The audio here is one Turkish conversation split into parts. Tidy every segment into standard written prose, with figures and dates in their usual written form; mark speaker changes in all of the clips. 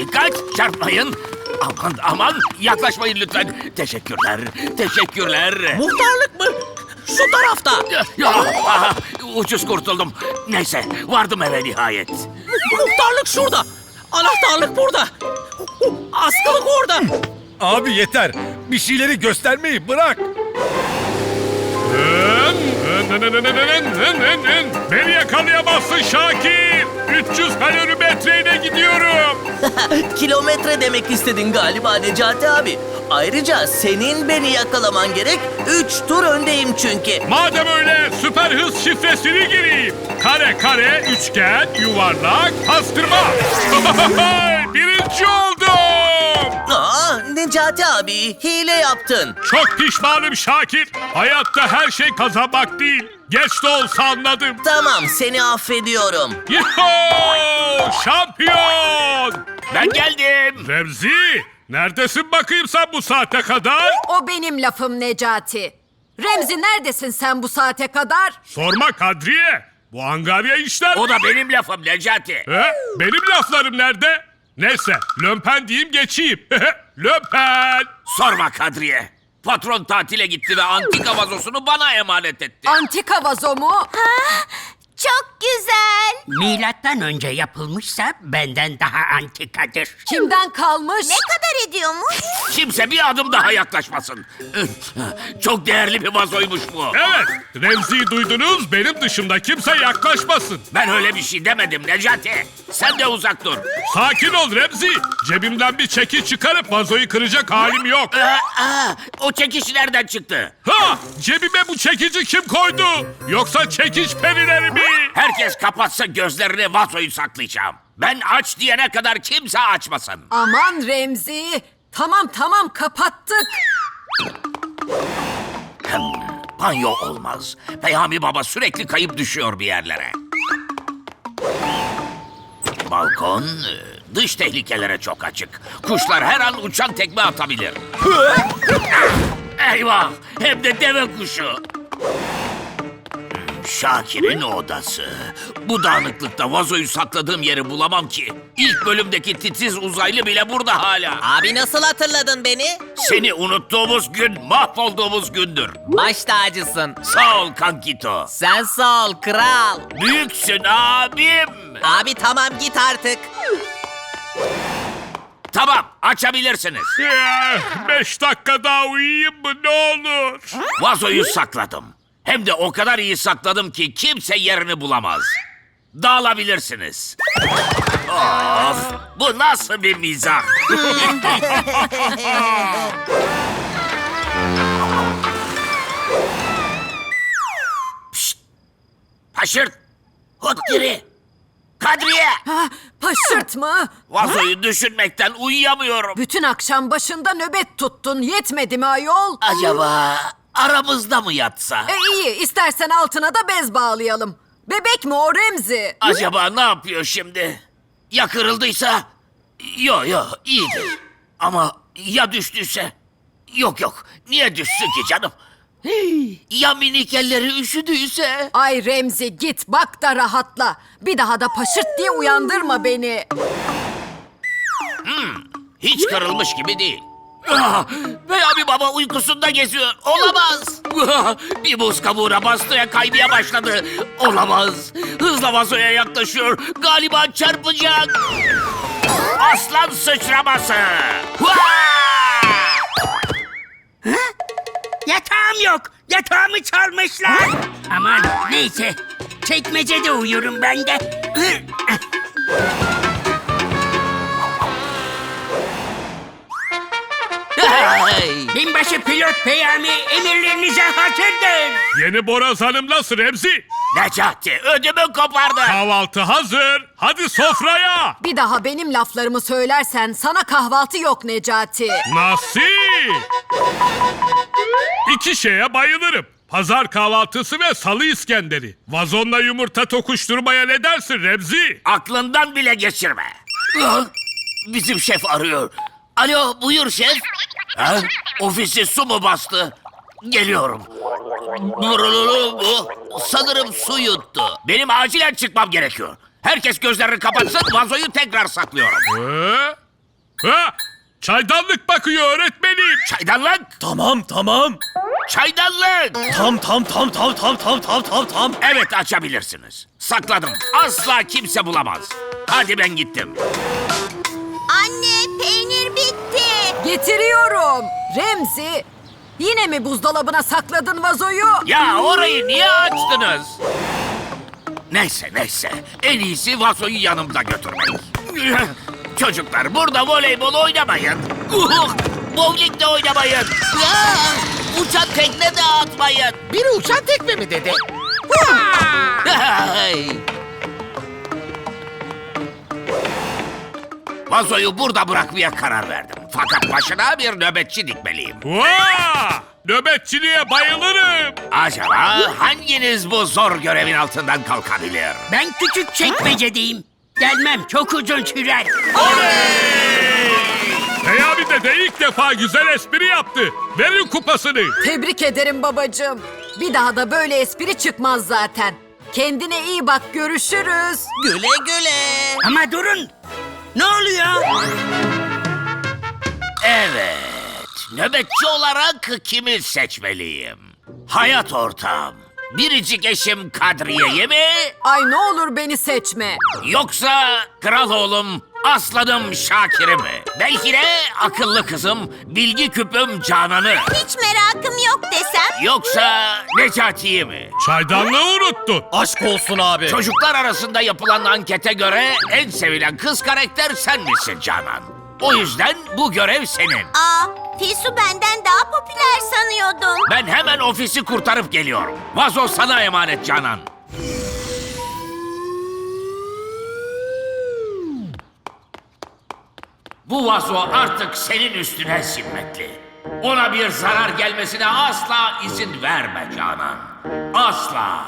Speaker 1: Dikkat, çarpmayın. Aman aman, yaklaşmayın lütfen. Teşekkürler, teşekkürler.
Speaker 2: Muhtarlık mı? Şu tarafta.
Speaker 1: Ucuz kurtuldum. Neyse, vardım eve nihayet.
Speaker 2: Muhtarlık şurada. Anahtarlık burada. Askılık orada.
Speaker 3: Abi yeter. Bir şeyleri göstermeyi bırak.
Speaker 4: Beni yakalayamazsın Şakir. 300 kalorimetreyle gidiyorum.
Speaker 2: Kilometre demek istedin galiba Necati abi. Ayrıca senin beni yakalaman gerek. 3 tur öndeyim çünkü.
Speaker 4: Madem öyle süper hız şifresini gireyim. Kare kare, üçgen, yuvarlak, pastırma. Birinci oldum.
Speaker 2: Aa, Necati abi hile yaptın.
Speaker 4: Çok pişmanım Şakir. Hayatta her şey kazanmak değil. Geç de olsa anladım.
Speaker 2: Tamam seni affediyorum.
Speaker 4: Yuhuu! Şampiyon!
Speaker 1: Ben geldim.
Speaker 4: Remzi, neredesin bakayım sen bu saate kadar?
Speaker 5: O benim lafım Necati. Remzi neredesin sen bu saate kadar?
Speaker 4: Sorma Kadriye. Bu angarya işler.
Speaker 1: O da benim lafım Necati.
Speaker 4: He? Benim laflarım nerede? Neyse, lömpen diyeyim geçeyim. Lömpen!
Speaker 1: Sorma Kadriye. Patron tatile gitti ve antika vazosunu bana emanet etti.
Speaker 5: Antika vazo mu?
Speaker 6: Çok güzel.
Speaker 7: Milattan önce yapılmışsa benden daha antikadır.
Speaker 5: Kimden kalmış?
Speaker 6: Ne kadar ediyormuş?
Speaker 1: Kimse bir adım daha yaklaşmasın. Çok değerli bir vazoymuş bu.
Speaker 4: Evet, Remzi'yi duydunuz, benim dışımda kimse yaklaşmasın.
Speaker 1: Ben öyle bir şey demedim Necati. Sen de uzak dur.
Speaker 4: Sakin ol Remzi. Cebimden bir çeki çıkarıp vazoyu kıracak halim yok.
Speaker 1: O çekiş nereden çıktı?
Speaker 4: Ha! Cebime bu çekici kim koydu? Yoksa çekiç perileri mi?
Speaker 1: Herkes kapatsa gözlerini, vazoyu saklayacağım. Ben aç diyene kadar kimse açmasın.
Speaker 5: Aman Remzi. Tamam kapattık.
Speaker 1: Banyo olmaz. Peyami Baba sürekli kayıp düşüyor bir yerlere. Balkon dış tehlikelere çok açık. Kuşlar her an uçan tekme atabilir. Eyvah! Hem de deve kuşu. Şakir'in odası. Bu dağınıklıkta vazoyu sakladığım yeri bulamam ki. İlk bölümdeki titiz uzaylı bile burada hala.
Speaker 2: Abi nasıl hatırladın beni?
Speaker 1: Seni unuttuğumuz gün mahvolduğumuz gündür.
Speaker 2: Baş tacısın.
Speaker 1: Sağ ol kankito.
Speaker 2: Sen sağ ol kral.
Speaker 1: Büyüksün abim.
Speaker 2: Abi tamam git artık.
Speaker 1: Tamam, açabilirsiniz.
Speaker 4: 5 dakika daha uyuyayım mı ne olur?
Speaker 1: Vazoyu sakladım. Hem de o kadar iyi sakladım ki kimse yerini bulamaz. Dağılabilirsiniz. Of, bu nasıl bir mizah? Pişt! Haşırt! Hutkiri! Kadriye!
Speaker 5: Ha, paşırt mı?
Speaker 1: Vazoyu düşünmekten uyuyamıyorum.
Speaker 5: Bütün akşam başında nöbet tuttun. Yetmedi mi ayol?
Speaker 1: Acaba aramızda mı yatsa?
Speaker 5: İyi istersen altına da bez bağlayalım. Bebek mi o Remzi?
Speaker 1: Acaba ne yapıyor şimdi? Ya kırıldıysa? Yo iyidir. Ama ya düştüyse? Yok niye düşsün ki canım? Ya minik elleri üşüdüyse?
Speaker 5: Ay Remzi git bak da rahatla. Bir daha da paşırt diye uyandırma beni.
Speaker 1: Hiç kırılmış gibi değil. Peyami Baba uykusunda geziyor. Olamaz. Bir buz kabuğuna bastıya kaymaya başladı. Olamaz. Hızla vazoya yaklaşıyor. Galiba çarpacak. Aslan sıçraması.
Speaker 7: Yatağım yok. Yatağımı çalmışlar. Aman neyse. Çekmecede uyurum ben de. Binbaşı pilot Peyami emirlerinize hazırdır.
Speaker 4: Yeni borazanım nasıl Remzi?
Speaker 1: Necati ödümü kopardı.
Speaker 4: Kahvaltı hazır. Hadi sofraya.
Speaker 5: Bir daha benim laflarımı söylersen sana kahvaltı yok Necati.
Speaker 4: Nasıl? 2 şeye bayılırım. Pazar kahvaltısı ve salı İskenderi. Vazonla yumurta tokuşturmaya ne dersin Remzi?
Speaker 1: Aklından bile geçirme. Bizim şef arıyor. Alo buyur şef. Ha? Ofisi su mu bastı? Geliyorum. Sanırım su yuttu. Benim acilen çıkmam gerekiyor. Herkes gözlerini kapatsın, vazoyu tekrar saklıyorum.
Speaker 4: Ha? Çaydanlık bakıyor öğretmenim.
Speaker 1: Çaydanlık!
Speaker 3: Tamam.
Speaker 1: Çaydanlık!
Speaker 3: Tam.
Speaker 1: Evet, açabilirsiniz. Sakladım. Asla kimse bulamaz. Hadi ben gittim.
Speaker 6: Anne, peynir bitti.
Speaker 5: Getiriyorum. Remzi, yine mi buzdolabına sakladın vazoyu?
Speaker 1: Ya orayı niye açtınız? Neyse. En iyisi vazoyu yanımda götürmek. Çocuklar, burada voleybol oynamayın. Bowling de oynamayın. Uçan tekne de atmayın.
Speaker 8: Biri uçan tekme mi dedi?
Speaker 1: Vazoyu burada bırakmaya karar verdim. Fakat başına bir nöbetçi dikmeliyim.
Speaker 4: Vaa! Nöbetçiliğe bayılırım.
Speaker 1: Acaba hanginiz bu zor görevin altından kalkabilir?
Speaker 7: Ben küçük çekmecedeyim. Gelmem çok uzun sürer.
Speaker 4: Peyami de ilk defa güzel espri yaptı. Verin kupasını.
Speaker 5: Tebrik ederim babacığım. Bir daha da böyle espri çıkmaz zaten. Kendine iyi bak, görüşürüz.
Speaker 2: Güle güle.
Speaker 7: Ama durun. Ne oluyor?
Speaker 1: Evet, nöbetçi olarak kimi seçmeliyim? Hayat ortağım, biricik eşim Kadriye'yi mi?
Speaker 5: Ay ne olur beni seçme.
Speaker 1: Yoksa kral oğlum, aslanım Şakir'i mi? Belki de akıllı kızım, bilgi küpüm Canan'ı.
Speaker 6: Hiç merakım yok desem.
Speaker 1: Yoksa Necati'yi mi?
Speaker 4: Çaydanlığı unuttun.
Speaker 3: Aşk olsun abi.
Speaker 1: Çocuklar arasında yapılan ankete göre en sevilen kız karakter sen misin Canan? O yüzden bu görev senin.
Speaker 6: Fisu benden daha popüler sanıyordum.
Speaker 1: Ben hemen ofisi kurtarıp geliyorum. Vazo sana emanet Canan. Bu vazo artık senin üstüne zimmetli. Ona bir zarar gelmesine asla izin verme Canan. Asla.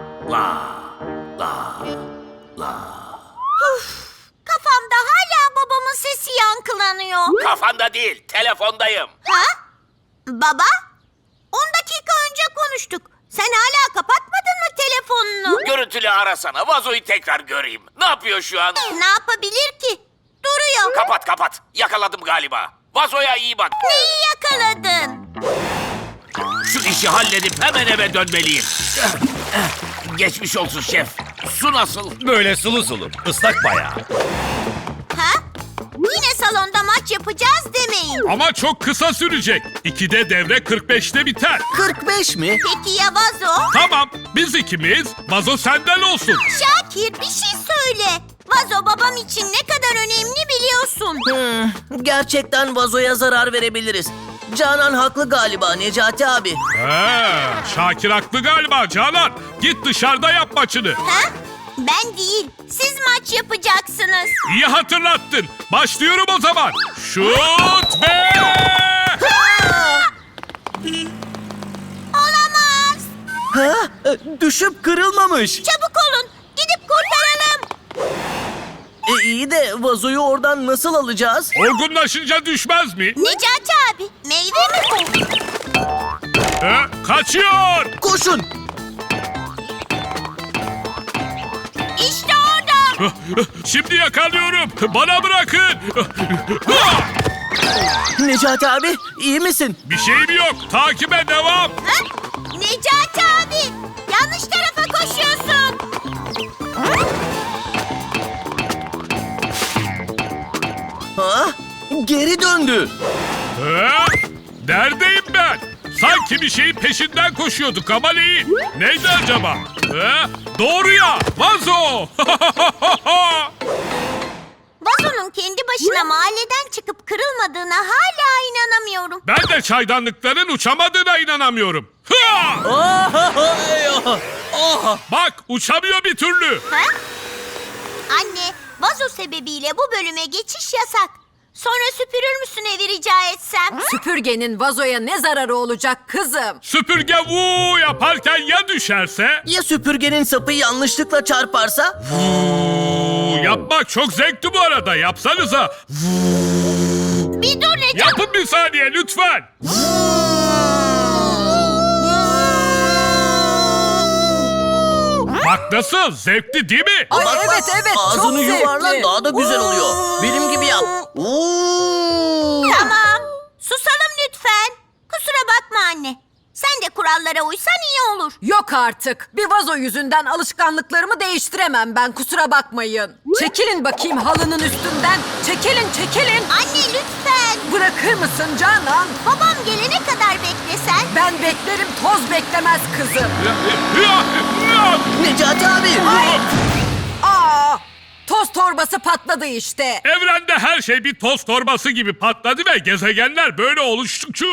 Speaker 6: Kafamda hala babamın sesi yankılanıyor.
Speaker 1: Kafanda değil, telefondayım.
Speaker 6: Ha? Baba? 10 dakika önce konuştuk. Sen hala kapatmadın mı telefonunu?
Speaker 1: Görüntülü arasana, vazoyu tekrar göreyim. Ne yapıyor şu an?
Speaker 6: Ne yapabilir ki? Duruyor.
Speaker 1: Kapat. Yakaladım galiba. Vazoya iyi bak.
Speaker 6: Neyi yakaladın?
Speaker 1: Şu işi halledip hemen eve dönmeliyim. Geçmiş olsun şef. Su nasıl?
Speaker 3: Böyle sulu. Islak bayağı.
Speaker 6: Ha? Yine salonda maç yapacağız demeyin.
Speaker 4: Ama çok kısa sürecek. 2'de devre 45'te biter.
Speaker 2: 45 mi?
Speaker 6: Peki ya vazo?
Speaker 4: Tamam, biz ikimiz. Vazo senden olsun.
Speaker 6: Şakir bir şey söyle. Vazo babam için ne kadar önemli biliyorsun.
Speaker 2: Gerçekten vazoya zarar verebiliriz. Canan haklı galiba Necati abi.
Speaker 4: Şakir haklı galiba Canan. Git dışarıda yap maçını.
Speaker 6: Ha? Ben değil. Siz maç yapacaksınız.
Speaker 4: İyi hatırlattın. Başlıyorum o zaman. Şut ve...
Speaker 6: Olamaz.
Speaker 2: Ha? Düşüp kırılmamış.
Speaker 6: Çabuk olun. Gidip kurtaralım.
Speaker 2: İyi de vazoyu oradan nasıl alacağız?
Speaker 4: Olgunlaşınca düşmez mi?
Speaker 6: Necati abi, meyve mi bu?
Speaker 4: Kaçıyor.
Speaker 2: Koşun.
Speaker 6: İşte orada.
Speaker 4: Şimdi yakalıyorum. Bana bırakın.
Speaker 2: Necati abi iyi misin?
Speaker 4: Bir şeyim yok. Takibe devam.
Speaker 6: Ha? Necati abi, yanlış tarafa koşuyorsun.
Speaker 2: Ha? Geri döndü.
Speaker 4: Neredeyim ben? Sanki bir şeyin peşinden koşuyorduk ama neyi? Neydi acaba? Doğru ya. Vazo.
Speaker 6: Vazonun kendi başına mahalleden çıkıp kırılmadığına hala inanamıyorum.
Speaker 4: Ben de çaydanlıkların uçamadığına inanamıyorum. Bak uçamıyor bir türlü.
Speaker 6: Ha? Anne, vazo sebebiyle bu bölüme geçiş yasak. Sonra süpürür müsün evi rica etsem?
Speaker 5: Süpürgenin vazoya ne zararı olacak kızım?
Speaker 4: Süpürge vuu yaparken ya düşerse?
Speaker 2: Ya süpürgenin sapı yanlışlıkla çarparsa?
Speaker 4: Yapmak çok zevkli bu arada. Yapsanıza.
Speaker 6: Bir dur Necati.
Speaker 4: Yapın bir saniye lütfen. Bak nasıl zevkli değil mi?
Speaker 5: Ay
Speaker 2: Bak,
Speaker 5: evet evet çok
Speaker 2: Ağzını
Speaker 5: zevkli.
Speaker 2: yuvarla daha da güzel oluyor. Benim gibi yap. Oo.
Speaker 6: Tamam. Susalım lütfen. Kusura bakma anne. Sen de kurallara uysan iyi olur.
Speaker 5: Yok artık. Bir vazo yüzünden alışkanlıklarımı değiştiremem ben, kusura bakmayın. Çekilin bakayım halının üstünden. Çekilin çekilin.
Speaker 6: Anne lütfen.
Speaker 5: Bırakır mısın Canan?
Speaker 6: Babam gelene kadar beklesen.
Speaker 5: Ben beklerim, toz beklemez kızım.
Speaker 2: Necati abi.
Speaker 5: Aa, toz torbası patladı işte.
Speaker 4: Evrende her şey bir toz torbası gibi patladı ve gezegenler böyle oluştukça...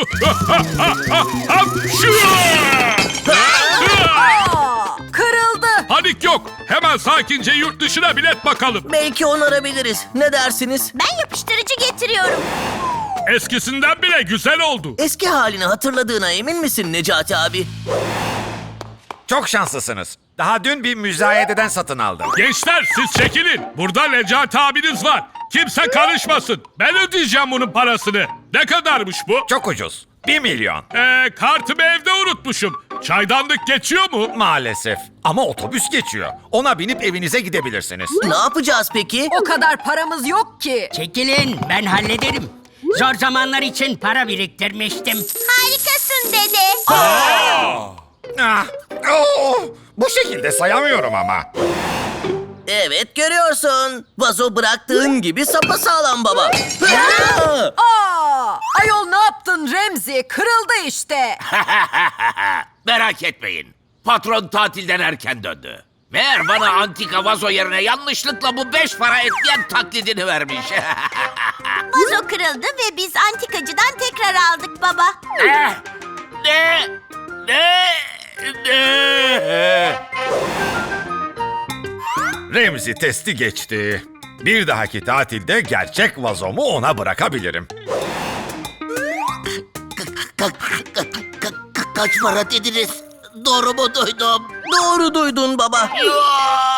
Speaker 5: Aa, kırıldı.
Speaker 4: Panik yok. Hemen sakince yurt dışına bilet bakalım.
Speaker 2: Belki onarabiliriz. Ne dersiniz?
Speaker 6: Ben yapıştırıcı getiriyorum.
Speaker 4: Eskisinden bile güzel oldu.
Speaker 2: Eski halini hatırladığına emin misin Necati abi?
Speaker 3: Çok şanslısınız. Daha dün bir müzayededen satın aldım.
Speaker 4: Gençler siz çekilin. Burada Necati abiniz var. Kimse karışmasın. Ben ödeyeceğim bunun parasını. Ne kadarmış bu?
Speaker 3: Çok ucuz. 1 milyon.
Speaker 4: Kartımı evde unutmuşum. Çaydanlık geçiyor mu?
Speaker 3: Maalesef. Ama otobüs geçiyor. Ona binip evinize gidebilirsiniz.
Speaker 2: Ne yapacağız peki?
Speaker 5: O kadar paramız yok ki.
Speaker 7: Çekilin, ben hallederim. Zor zamanlar için para biriktirmiştim.
Speaker 6: Harikasın dede.
Speaker 3: Ah, bu şekilde sayamıyorum ama.
Speaker 2: Evet görüyorsun. Vazo bıraktığın gibi sapasağlam baba.
Speaker 5: Aa, ayol ne yaptın Remzi? Kırıldı işte.
Speaker 1: Merak etmeyin. Patron tatilden erken döndü. Meğer bana antika vazo yerine yanlışlıkla bu 5 para etmeyen taklidini vermiş.
Speaker 6: Vazo kırıldı ve biz antikacıdan tekrar aldık baba.
Speaker 1: Ne? Ne? Ne?
Speaker 3: Remzi testi geçti. Bir dahaki tatilde gerçek vazomu ona bırakabilirim.
Speaker 1: Kaç para dediniz? Doğru mu duydum?
Speaker 2: Doğru duydun baba.
Speaker 1: Yok!